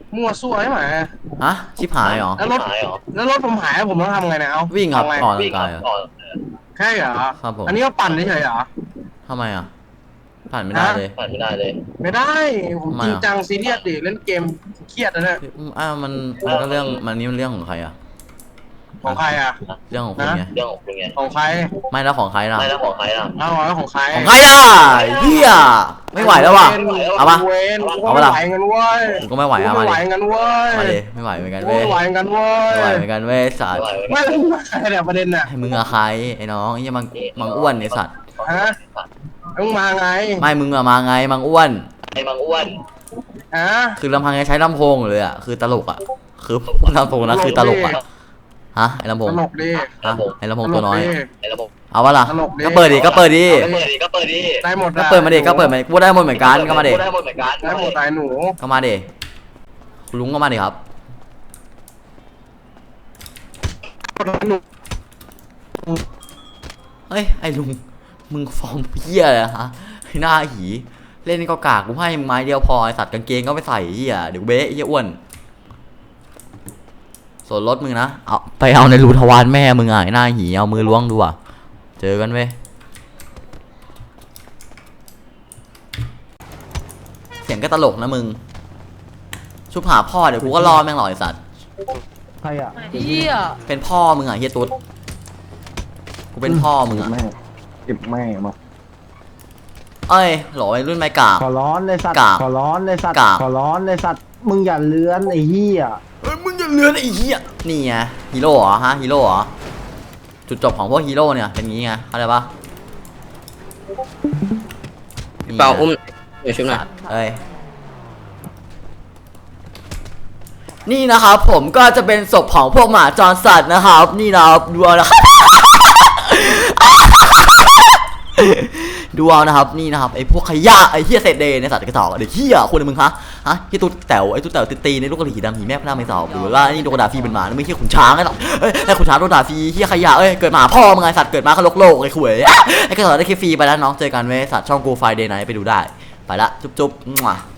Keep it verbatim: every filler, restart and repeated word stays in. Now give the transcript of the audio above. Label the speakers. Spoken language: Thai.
Speaker 1: มั่วซั่วใช่ไหม
Speaker 2: ฮะชิบหายเหรอ
Speaker 1: แล้วรถแล้วรถผมหายผมต้องทำไงเนี่ยเอา
Speaker 2: วิ่งครับ
Speaker 1: ไง
Speaker 2: ออกกำลังกายเหรอ
Speaker 1: แค่เหรอ
Speaker 2: ครับผม
Speaker 1: อันนี้ก็ปั่นเฉยๆเหรอ
Speaker 2: ทำไมอ่ะผ่านไม่ได้เลย
Speaker 3: ผ่านไม่ได้เลย
Speaker 1: ไม่ได้ผมจริง
Speaker 2: ทำไมอ่ะ
Speaker 1: จังซีเรียสดิเล่นเกมเครียดนะเนี่ย
Speaker 2: อ้าวมันมันก็เรื่องมันนี่มันเรื่องของใครอ่ะ
Speaker 1: ของใครอ่ะ
Speaker 2: เรื่องของคุณไง
Speaker 3: เรื่องของคุณไง
Speaker 1: ของใคร
Speaker 2: ไม่แล้วของใครล่ะ
Speaker 3: ไม่แล้วของใครล่ะ
Speaker 1: เอาแล้วของใคร
Speaker 2: ของใครล่ะเฮียไม่ไหวแล้วว่ะเอาปะ
Speaker 1: เวนกู
Speaker 2: เอา
Speaker 1: ไม่
Speaker 2: ปะล่ะ
Speaker 1: ไหวเงินเว้ย
Speaker 2: กูก็ไม่ไหว
Speaker 1: กู
Speaker 2: อ่ะ
Speaker 1: ไม่
Speaker 2: มา
Speaker 1: ไหว
Speaker 2: ดิ
Speaker 1: เงินเว้ย
Speaker 2: มาดิไม่ไหวเหมือนกัน
Speaker 1: กู
Speaker 2: เว้ย
Speaker 1: ไม่ไหวเงินเว้ย
Speaker 2: ไม่ไหวเหมือนกันเว้ยสัตว์
Speaker 1: ไม่รู้ใครเนี่ยประเด็นน่ะ
Speaker 2: ให้มึงอะใครไอ้น้องไอ้เหี้ยมังมังอ้วนไอ้สัตว์
Speaker 1: ฮะมึงมาไง
Speaker 2: ไม่มึงอะมาไงมังอ้วน
Speaker 3: ไอ้บางอ้วน
Speaker 1: ฮะ
Speaker 2: คือลำพังยังใช้ลำโพงอยู่เลยอะคือตลกอะคือลำโพงนะคือตลกอะฮะไอ้ลำโพ
Speaker 1: ต
Speaker 2: ง
Speaker 1: ลกดิ
Speaker 2: ฮะไอ้ลำโพงตัวน้อย
Speaker 3: ไอ้ระบบ
Speaker 2: เอาวะล่ะ
Speaker 1: ตลกดิ
Speaker 2: ก็เปิดดิก็เปิดดิ
Speaker 3: ก็เปิดดิก็เปิดดิ
Speaker 1: ได้หมด
Speaker 2: ก็เปิดมาดิก็เปิดมาดิกูได้หมดเหมือนกันก็มาดิ
Speaker 3: ได้หมดเหมือนกัน
Speaker 1: ได้หมดตายหนู
Speaker 2: ก็มาดิคุณลุงก็มาดิครับ
Speaker 1: หนู
Speaker 2: เฮ้ยไอ้ลุงมึงฟอร์มเหี้ยเลยฮะไอ้หน้าหีเล่นก็กากกูให้มึงไม้เดียวพอไอ้สัตว์กางเกงก็ไปใส่เหี้ยเดี๋ยวเบ๊ะเหี้ยอ้วนส่วนรถมึงนะเอาไปเอาในรูทวารแม่มึงอ่ะไอ้หน้าหีเอามือล้วงดูอ่ะเจอกันเว้ยเสียงก็ตลกนะมึงชุบหาพ่อเดี๋ยวกูก็รอแม่งหรอไอ้สัตว์
Speaker 4: ใครอ่ะ
Speaker 5: เฮีย
Speaker 2: เป็นพ่อมึงอ่ะเฮียตุ๊ดกูเป็นพ่อมึงอ่ะ
Speaker 4: แม่เก็บแม่มา
Speaker 2: เอ้ยหล่อไอ้รุ่นไม้กาก
Speaker 4: ขอร้อนเลยสัตว์
Speaker 2: กาก
Speaker 4: ขอร้อนเลยสัตว์
Speaker 2: กาก
Speaker 4: ขอร้อนเลยสัตว์มึงอย่าเลื้อนไอ้เหี้ย
Speaker 2: เอ้ยมึงอย่าเลือนไอ้เหี้ยนี่ไงฮีโร่เหรอฮะฮีโร่เหรอจุดจบของพวกฮีโร่เนี่ยเป็นงี้ไงเข้าใจปะ
Speaker 6: เปล่าอุ้มเดี๋ยวชุบหน่อย
Speaker 2: สัตว์เอ้ยนี่นะครับผมก็จะเป็นศพของพวกหมาจรสัตว์นะครับนี่นะครับดูเอานะครับ ดูเอานะครับนี่นะครับไอ้พวกขยะไอ้เหี้ยเศษเดย์ในสัตว์กระจอกเด็กเหี้ยคนในมึงฮะฮะที่ตุ๊ดแต๋วไอ้ตุ๊ดแต๋วตีในลูกกระหรี่ดำหีแม่พระนางไม่สอบหรือว่านี่โดนด่าฟรีเป็นหมาไม่ใช่ขุนช้างไอ้หรอกเอ้ยไอ้ขุนช้างโดนด่าฟรีเหี้ยขยะเอ้ยเกิดหมาพ่อมึงไงสัตว์เกิดมาก็โลกโลกไอ้ขวยไอ้กระจอกได้แค่ฟรีไปแล้วน้องเจอกันเว้ยสัตว์ช่องกูไฟเดย์ไนท์ไปดูได้ไปละจุ๊บจุ๊บ